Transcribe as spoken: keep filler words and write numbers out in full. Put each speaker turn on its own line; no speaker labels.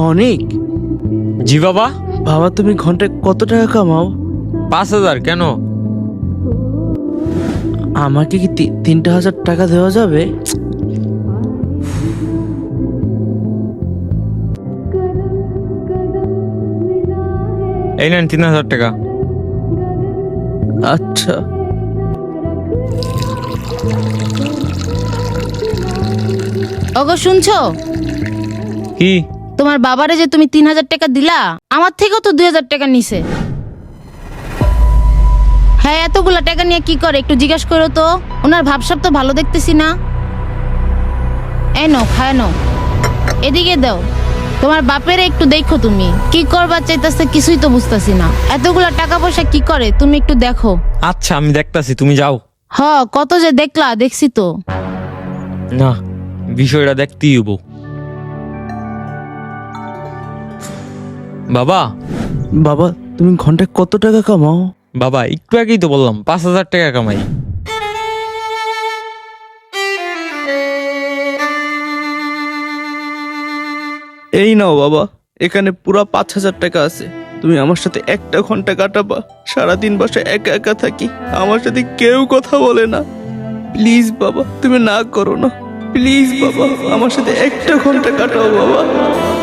অনেক।
জি বাবা।
বাবা তুমি ঘন্টায় কত টাকা কামাও?
পাঁচ হাজার। কেন?
আমাকে কি তি- তিনটা হাজার টাকা দেওয়া যাবে?
এই নেন তিন হাজার টাকা।
আচ্ছা।
ওগো শুনছো?
কি?
তোমার বাবারে যে তুমি তিন হাজার টাকা দিলা, আমার থেকেও তো দুই হাজার টাকা নিছে। হ্যাঁ, এতগুলা টাকা নিয়ে কি করে একটু জিজ্ঞাসা করো তো। ওনার ভাবসাব তো ভালো দেখতেছি না। এই নাও, খায় নাও। এদিকে দাও। তোমার বাপের একটু দেখো, তুমি কি করবা চাইতেছে কিছুই তো বুঝতেছি না। এতগুলা টাকা পয়সা কি করে তুমি একটু দেখো।
আচ্ছা আমি দেখতাছি, তুমি যাও।
হ, কত যে দেখলা, দেখছি তো।
না, বিষয়টা দেখতেই হবো। বাবা।
বাবা তুমি ঘন্টায় কত টাকা কামাও?
বাবা একটু আগেই তো বললাম পাঁচ হাজার টাকা কামাই।
এই নাও বাবা, এখানে পুরা পাঁচ হাজার টাকা আছে। তুমি আমার সাথে একটা ঘন্টা কাটাবা। সারাদিন বাসায় একা একা থাকি, আমার সাথে কেউ কথা বলে না। প্লিজ বাবা, তুমি না করো না। প্লিজ বাবা, আমার সাথে একটা ঘন্টা কাটাও বাবা।